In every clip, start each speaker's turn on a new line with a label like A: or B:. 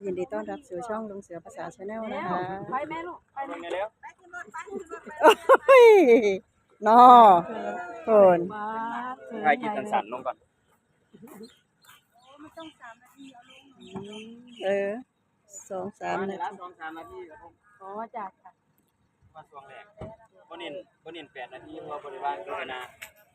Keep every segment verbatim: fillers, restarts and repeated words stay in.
A: ยินดีต้อนรับสู่ช่องลุงเสือภาษาชาแนลนะคะ
B: ไปแม่ลูกไปแม่แล้ว
A: โอ้ยนอโคน
C: ใครกินสันสันลงก่อน
A: เออสองสามนาที
C: สองสามนาทีครับผม
B: อ๋อจัดค่ะ
C: มาช่วงแรกบ่เน้นบ่เน้นแปดนาทีเพราะบริวารก็นา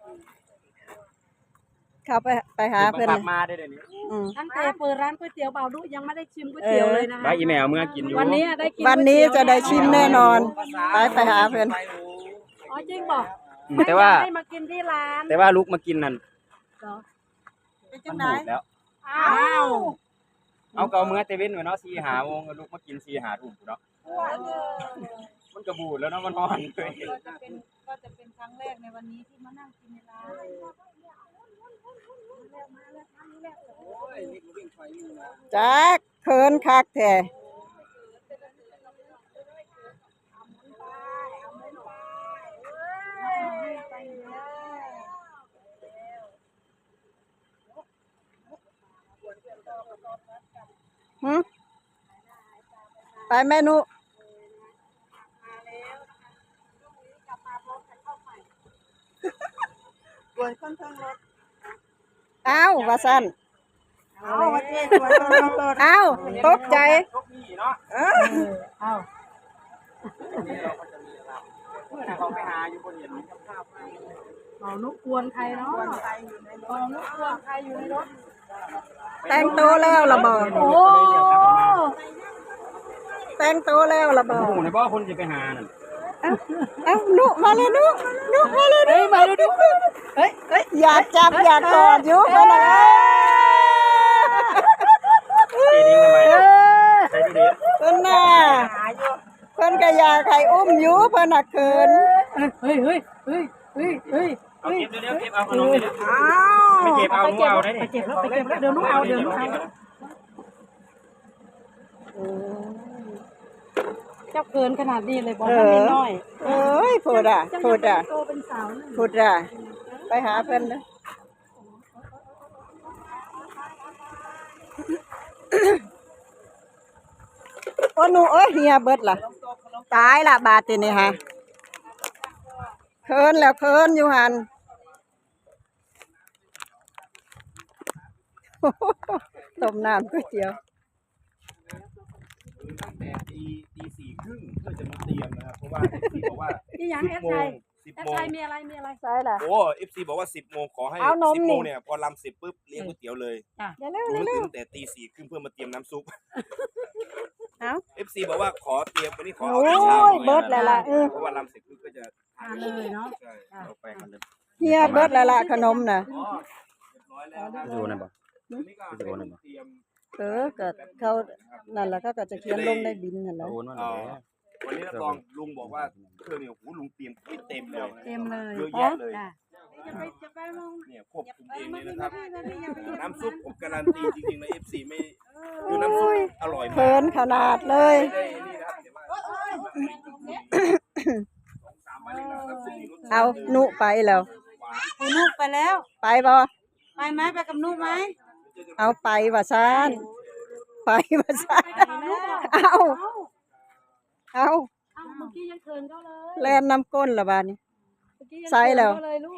A: เข้าไปไปหาเพื่อน
C: มาได้เดี๋ยวนี้
B: ตั้งแต่เปิดร้านก๋วยเตี๋ยวเบาดุยังไม่ได้ชิมก๋วยเตี๋ยวเลยนะคะ
C: ได้อีเมลเมื่อกินอยู่
B: วันนี้ได้กิน
A: วันนี้จะได้ชิมแน่นอนไปไปหาเพื่อน
B: อ๋อจริงบอก
C: แต่ว่า
B: ให้มากินที่ร้าน
C: แต่ว่าลูกมากินนั่น
B: เป็นจังไหน
C: แล้ว
B: อ้าว
C: เอาเกาเมื่อเตเว่นไว้เนาะสี่หาโมงลูกมากินสี่หาทุ่มเนาะมันกระบูดแล้วเนาะมันนอนเลย
B: ก็จะเป็นก็จะเป็นครั้งแรกในวันนี้ที่มานั่งกินในร้าน
A: จักเคินคักแท้หืมไปเมนูกวนค่อนข้างรถอ้าวว่าสั้นอ้าวว่าเจ๊กวนค่อนข้างรถอ้าวตกใจเออ
B: อ้าว
C: เมื่อเขาไปหาอยู่บนเห็นข้าว
B: เมานุกกวนใครเนาะเมานุกกวนใครอยู่ในรถ
A: แต่งตัวแล้วระเบิด
B: โอ้
A: แต่งตัวแล้วระเบิด
C: หมูในบ่อคนจะไปหานั่น
A: เอ้านุมาเลยนุนุมาเลยนุมาเลยนุเฮ้ยเฮ้ยอยากจับอยากกอดอยู่ไปเลยเพิ่นน่ะเพิ่นก็อยากให้อุ้มอยู่เพิ่นน่ะเขิน
B: เฮ้ยเฮ้ยเฮ้ยเฮ้ยเฮ้ย
C: เอาเก็บเดี๋ยวเก็บเอาขนมเดี๋ยว
A: อ้าว
C: ไปเก็บเอาหนูเอาได้
B: ไปเก็บแล้วไปเก็บแล้วเดี๋ยวหนูเอาเดี๋ยวหนูเอาเจ้าเกินขนาดนี้เลยบอกว่าไม่น้อย
A: เอ้ยพูดอ่ะพูดอ่ะ
B: โตเป็นสาว
A: พูดอ่ะไปหาเพิ่นนะโอ้หนูเอ้ยเฮียเบิดล่ะตายละบาดทีนี่ฮะเคินแล้วเคินอยู่หันต้มน้ำก๋วยเตี๋ยว
C: ตั้งแต่ตีตีสี่ครึ่งเพื่อจะมาเตรียมนะครับเพราะว่าเอฟซีบอกว่า
B: ที่ยังเอฟไทยเอฟไทยมีอะไรมีอะไร
A: ใช่ล่ะ
C: โอ้เอฟซีบอกว่าสิบโมงขอให้สิบโมงเนี่ยพอลำสิบปุ๊บเลี้ยงก๋วยเตี๋ยวเลย
A: อย่าเร็ว
C: รู้
A: เร็ว
C: ตั้งแต่ตีสี่ครึ่งเพื่อมาเตรียมน้ำซุป
A: เอ้า
C: เอฟซีบอกว่าขอเตรียมวันนี้ขอ
A: โอ้ยเบิดแล้วล่ะ
C: เพราะว่าลำเสร็จปุ๊บก็จะ
B: ทานเลยเนาะ
C: ใช่เอาไปกันเลย
A: เฮียเบิดแล้วล่ะขนมน่ะ
C: ดูนะบ่ดูนะบ่
A: เออก็เขานั่นแหละเขาก็จะเขียนลงในบินนั่นแหละ
C: วันนี้รับรองลุงบอกว่าเครื่องเนี่ยโอ้โหลุงเตรียมเต็มเลย
B: เต็มเลย
C: เยอะแยะเลยเนี่ยควบคุมเองเลยนะครับน้ำซุปผมการันตีจริงๆนะ เอฟ ซี ไม่คือน้ำซุปอร่อยมาก
A: เพิ่นขนาดเลยเอานุไปแล้ว
B: นุไปแล้ว
A: ไปบ่
B: ไปไหมไปกับนุไหม
A: เอาไปว่าซานไปว่าซานเอาเอา
B: เมื่อกี้ยังเขินเขาเลย
A: แล่นน้ำก้นละบาดนี้ใส่แล้ว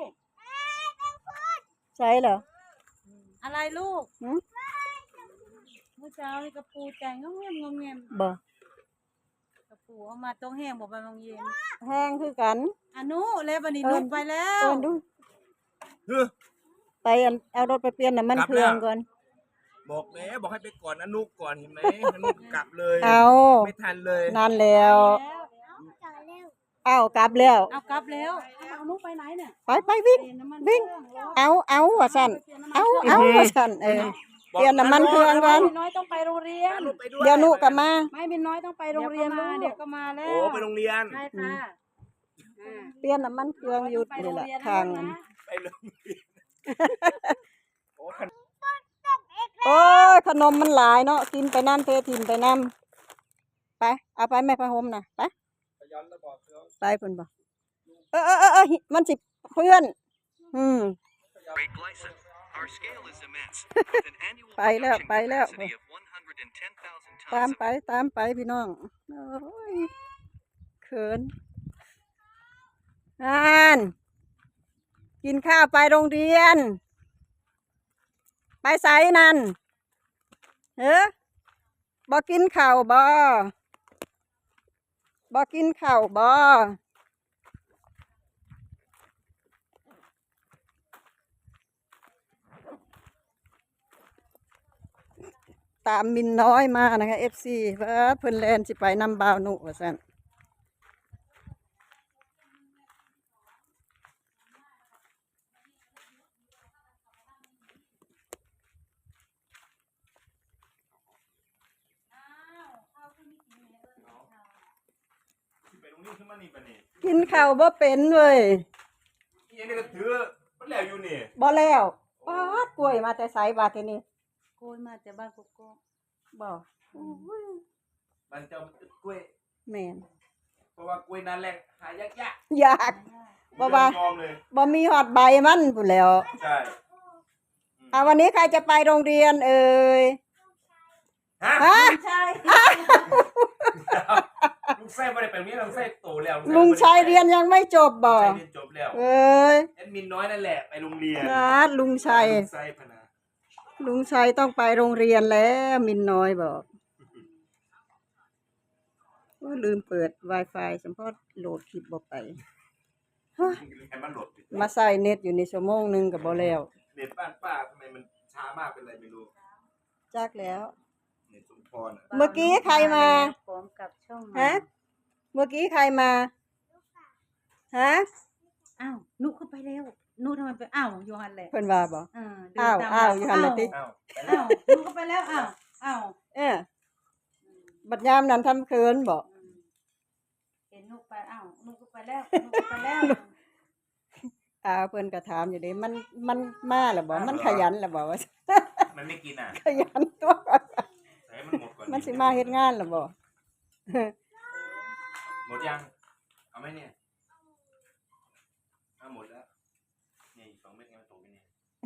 A: ใส่แล้ว
B: อะไรลูกเมื่อเช้านี่กระปูแต่งงเงียบงเงียบ
A: บ่
B: กระปูเอามาต้องแห้งบอกไปบางเย็น
A: แห้งคือกัน
B: อนุเลยบันนี้นุไปแล้ว
A: ไปเอารถไปเปลี่ยนน้ำมันเครื่องก่อน
C: บอกแล้วบอกให้ไปก่อนอนุก่อนเห็นไหมอนุกลับเลย
A: เอา
C: ไม่ทันเลย
A: นานแล้วเอากลับแล้ว
B: เอากลับแล้วอนุไปไหนเนี่ย
A: ไปไปวิ่งวิ่งเอาเอาว่าสั่นเอาเอาว่าสั่นเออเปลี่ยนน้ำมันเครื่องก่อน
B: น้อยต้องไปโรงเรียน
A: เดี๋ยวนุกลับมา
B: ไม่เป็นน้อยต้องไปโรงเรียนเดี๋ยวก็มาแล้ว
C: โอ้ไปโรงเรียน
B: ใช่ค่ะ
A: เปลี่ยนน้ำมันเครื่องหยุดนี่แหละทาง
C: ไปโรงเรียน
A: โอ้ขนมมันหลายเนาะกินไปน้ำเททิมไปน้ำไปเอาไปแม่พะหมนะไปไปเพิ่นบ่เออเออเออมันสิเพื่อนอืมไปแล้วไปแล้วตามไปตามไปพี่น้องโอ้ยเขินอ่านกินข้าวไปโรงเรียน ไปไสนั่นเฮ้อบ่กินข้าวบ่บ่กินข้าวบ่ตามมินน้อยมานะคะ เอฟ ซี ว่าเพิ่นแลนสิไปนำบ่าวหนุว่าซั่นกินข้าวบ่เป็นเว้ย
C: ยังนี่ก็ถือมันแล้วอยู่นี่
A: บ่แล้วป๊าดกล้วยมาแต่ไสบาดทีนี้
B: โกยมาจากบ้านกกอก
A: บ่
C: มันจะกล้วย
A: แม่น
C: เพราะว่ากล้วยนั้นแหละหายากยาก
A: อยากบ่ว่า
C: ยอมเลย
A: บ่มีฮอดใบมันพู้นแหล้ว
C: ใช่
A: อ่าวันนี้ใครจะไปโรงเรียนเอ่ย
C: ฮะ
A: ฮะ
B: ใช่
C: ลุงไส้ไม่ได้ไปโรงเรียนลุงไส้โตแล้ว
A: ลุงชัยเรียนยังไม่จบบ่
C: ลุงไส้เรียนจบแล้ว
A: เอ้ย
C: แอดมินน้อยนั่นแหละไปโรงเรียน
A: นะลุงชัย
C: ลุงไส้พนา
A: ลุงชัยต้องไปโรงเรียนแล้วมินน้อยบอกโอ้ยลืมเปิด Wi-Fi สัมพอโหลดคลิปบ่ไป
C: ให้มันหลด
A: มาใส่เน็ตอยู่ในชั่วโมงหนึงก็บ่แล้ว
C: เน็ตบ้านป้าทำไมมันช้ามากเป็นไรไม่รู้
A: จักแล้ว
C: เน็ตสมพรอ่ะ
A: เมื่อกี้ใครมา
B: พร้อมกับช่อง
A: ฮะ เมื่อกี้ใครมา ฮะ
B: อ้าวนุเข้าไปแล้วนุทำไมไปอ้าวโยฮันแหละ
A: เพิ่นว่าบ่
B: เออเดิน
A: อ้าว
B: ตม
A: อ้าวอยู่หั่นแหละติ
C: อ้าวไปแล้
B: อ้าว วนุเข้าไปแล้วอ้าวอ้าว
A: เออบัดยามนั้นทำเคินบ่
B: อืมเห็นนุไปอ้าวนุเข้าไปแล้วนุเข้าไปแล้ว
A: อ่าเพิ่นก็ถามอยู่เด้มันมันมาแล้วบ่มันขยันแล้วบ่ว่า
C: มันไม่กินอ่ะ
A: ขยันตัว
C: ใส่ให้มันหมดก่อน
A: มันสิมาเฮ็ดงานแล้วบ่
C: หมดยัง เอาไหมเนี่ยเอาหมดแล้วนี่สองเม็ดไงมันตกไปเนี่ย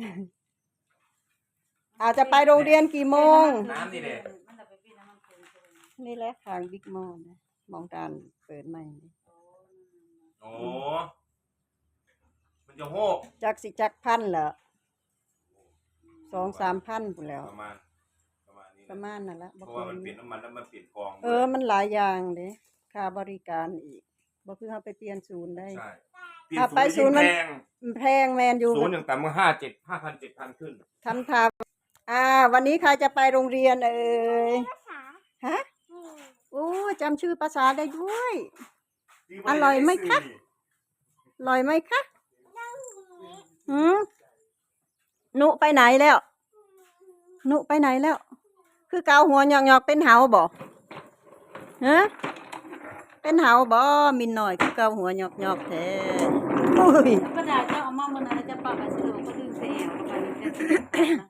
A: อาจจะไปโรงเรียนกี่โมง
C: น้ำนี่แหละ
B: มันจะไปพี่น้ำมันคืนใช่ไหม
A: นี่แหละทางบิ๊กมอลนะมองการเปิดใหม่นี่
C: โอ้มันจะโหก
A: จักสิจักพันเหรอสองสามพันพุ่นแล้ว
C: ประมาณประมาณนี้
A: ประมาณนั่นละ
C: เพ
A: บ่
C: ราะ
A: เกิ
C: ว่ามัน
A: น
C: เปลี่ยนน้ำมันแล้วมันเปลี่ยนกอง
A: เออมันหลายอย่างเด้ค่าบริการอีกบ่คือเฮาไปเปลี่ยนศูนย์ได้
C: ใช่
A: อ่ะไปศูนย์มัน
C: แพง
A: แพงแมนอยู่
C: ศูนย์อย่างต่ำก็ห้าเจ็ดห้าพันเจ็ดพันขึ้น
A: ทำทาอ่า วันนี้ใครจะไปโรงเรียนเอ่ยฮะโอ้จำชื่อภาษาได้ด้วย อร่อยไหมคะ อร่อยไหมคะหืมหนุไปไหนแล้วหนุไปไหนแล้ว คือเกาหัวหยอกๆเป็นเหาบ่ฮะเป็นเหาบ่มินหน่อยคือเกาหัวหยอกๆแท้อุ้ย
B: กระดาษจะเอามาเมื่อนั้นจะปรับไปสะดวกก็ดึงเสียงไป